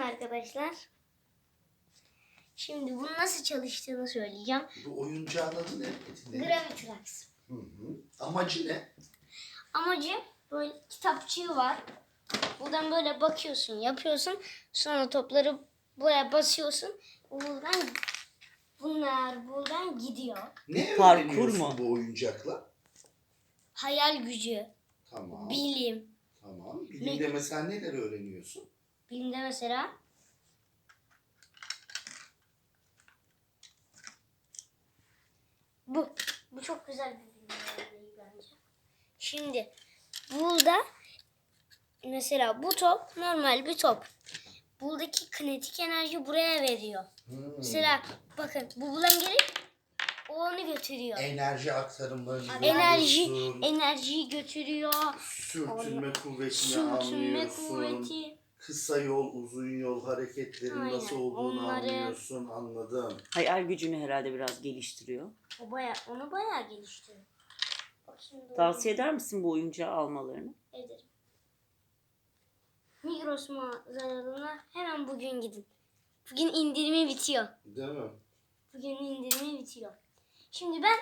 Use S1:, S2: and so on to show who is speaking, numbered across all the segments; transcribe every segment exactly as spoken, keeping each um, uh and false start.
S1: arkadaşlar. Şimdi bunun nasıl çalıştığını söyleyeceğim.
S2: Bu oyuncağın adı ne? Eti ne?
S1: Gravitrax.
S2: Hı hı. Amacı ne?
S1: Amacı böyle kitapçığı var. Buradan böyle bakıyorsun, yapıyorsun. Sonra topları buraya basıyorsun. Buradan bunlar buradan gidiyor.
S2: Ne
S3: Parkur
S2: öğreniyorsun
S3: mu?
S2: bu oyuncakla?
S1: Hayal gücü,
S2: Tamam.
S1: bilim.
S2: Tamam. Bilimde mesela neler öğreniyorsun?
S1: Bilimde mesela bu. Bu çok güzel bir bilim örneği bence. Şimdi burada mesela bu top normal bir top. Buradaki kinetik enerji buraya veriyor.
S2: Hmm.
S1: Mesela bakın bu buradan gelip o onu götürüyor.
S2: Enerji aktarımlarını
S1: Enerji
S2: görüyorsun.
S1: enerjiyi götürüyor.
S2: Sürtünme kuvvetini
S1: Sürtünme
S2: anlıyorsun.
S1: kuvveti.
S2: Kısa yol, uzun yol hareketlerin
S1: Aynen,
S2: nasıl olduğunu
S1: onları-
S2: anlıyorsun. Anladım.
S3: Hayal gücünü herhalde biraz geliştiriyor.
S1: O baya onu bayağı geliştiriyor. Bak şimdi
S3: Tavsiye eder misin bu oyuncağı almalarını?
S1: ederim. Migros mağazalarına hemen bugün gidin. Bugün indirimi bitiyor.
S2: Değil mi?
S1: Bugün indirimi bitiyor. Şimdi ben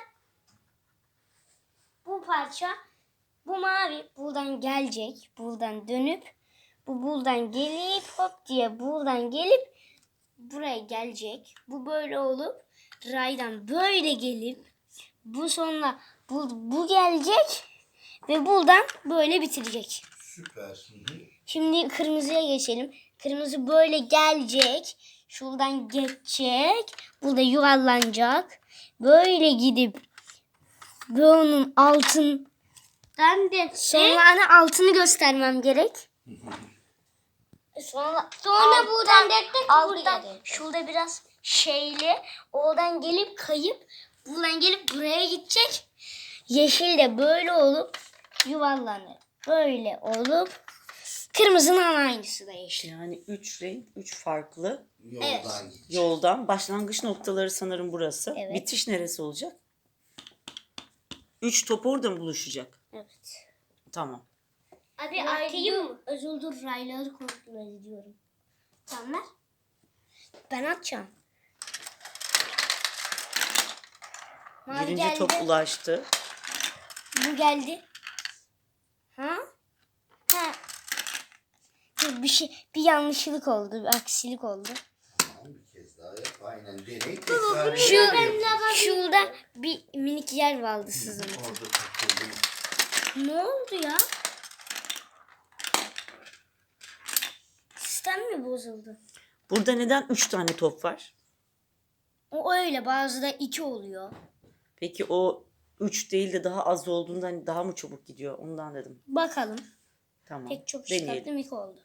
S1: bu parça bu mavi buradan gelecek. Buradan dönüp bu buradan gelip hop diye buradan gelip buraya gelecek. Bu böyle olup raydan böyle gelip bu sonra bu, bu gelecek ve buradan böyle bitirecek.
S2: Süper. Hı hı.
S1: Şimdi kırmızıya geçelim. Kırmızı böyle gelecek. Şuradan geçecek. Burada yuvarlanacak. Böyle gidip bunun altından de sonra hani altını göstermem gerek. Sonra sonra buradan alttan şurada biraz şeyli oradan gelip kayıp buradan gelip buraya gidecek. Yeşil de böyle olup yuvarlanır. Böyle olup kırmızının aynısı da yeşil.
S3: Yani üç renk, üç farklı
S2: Yoldan
S1: Evet.
S2: gidecek.
S3: yoldan. Başlangıç noktaları sanırım burası.
S1: Evet.
S3: Bitiş neresi olacak? Üç top orada mı buluşacak?
S1: Evet.
S3: Tamam.
S1: Abi atayım mı? Özür dur rayları kontrol ediyorum. Tamam ver. Ben atacağım. Mavi
S3: Birinci
S1: geldi.
S3: top ulaştı.
S1: Bu geldi. Ha? Ha. Dur, bir şey bir yanlışlık oldu, bir aksilik oldu.
S2: Tamam, bir kez daha yap. Aynen. Deney tekrar
S1: Şu
S2: yapıyorsun.
S1: şurada bir minik yer vardı sizin.
S2: Orada takıldım.
S1: Ne oldu ya? Sistem mi bozuldu?
S3: Burada neden üç tane top var?
S1: O öyle bazı da iki oluyor.
S3: Peki o üç değil de daha az olduğundan daha mı çabuk gidiyor? Ondan dedim.
S1: Bakalım.
S3: Tamam.
S1: Pek çok
S3: Deneyelim.
S1: çıkarttım iki oldu.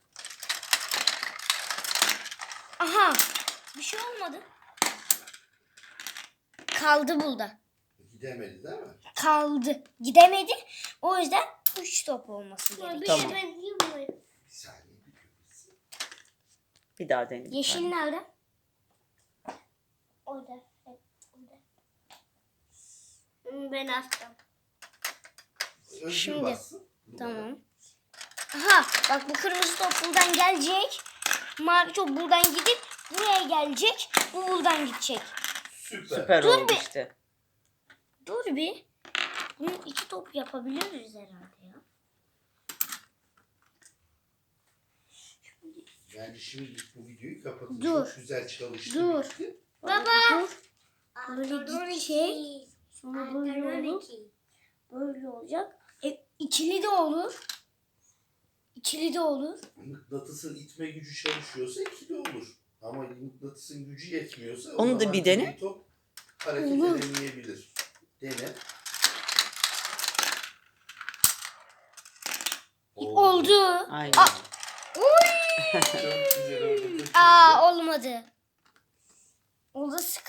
S1: Aha. Bir şey olmadı. Kaldı burada.
S2: Gidemedi değil mi?
S1: Kaldı. Gidemedi. O yüzden üç top olması gerekiyor.
S3: Tamam.
S2: Bir saniye. Bir köpüksün.
S3: Bir daha deneyelim.
S1: Yeşil
S3: Hadi.
S1: nerede? Orada. Evet, orada. Ben attım.
S2: Özgür
S1: Şimdi.
S2: bassın.
S1: Tamam. Aha bak bu kırmızı top buradan gelecek. Mavi top buradan gidip buraya gelecek. Bu buradan gidecek.
S2: Süper.
S3: Süper
S1: Dur
S3: oldu
S1: bir-
S3: işte.
S1: Dur bir. Bunu iki top yapabiliriz herhalde ya.
S2: Yani şimdi bu videoyu kapatın.
S1: Dur.
S2: Çok güzel çalıştı.
S1: Dur.
S2: bitti.
S1: Baba. Dur. Böyle gidecek. Sonra böyle olur. Böyle olacak. E, ikili de olur. İkili de olur.
S2: Mıknatısın itme gücü çalışıyorsa ikili olur. Ama mıknatısın gücü yetmiyorsa o
S3: Onu da
S2: zaman
S3: bir dene.
S2: bir top hareket
S1: Olur.
S2: edemeyebilir. Dene.
S1: Oldu.
S3: Aynen.
S1: Aa.
S2: Çok güzel oldu. Çok
S1: Aa
S2: güzel.
S1: olmadı. Orada sıkı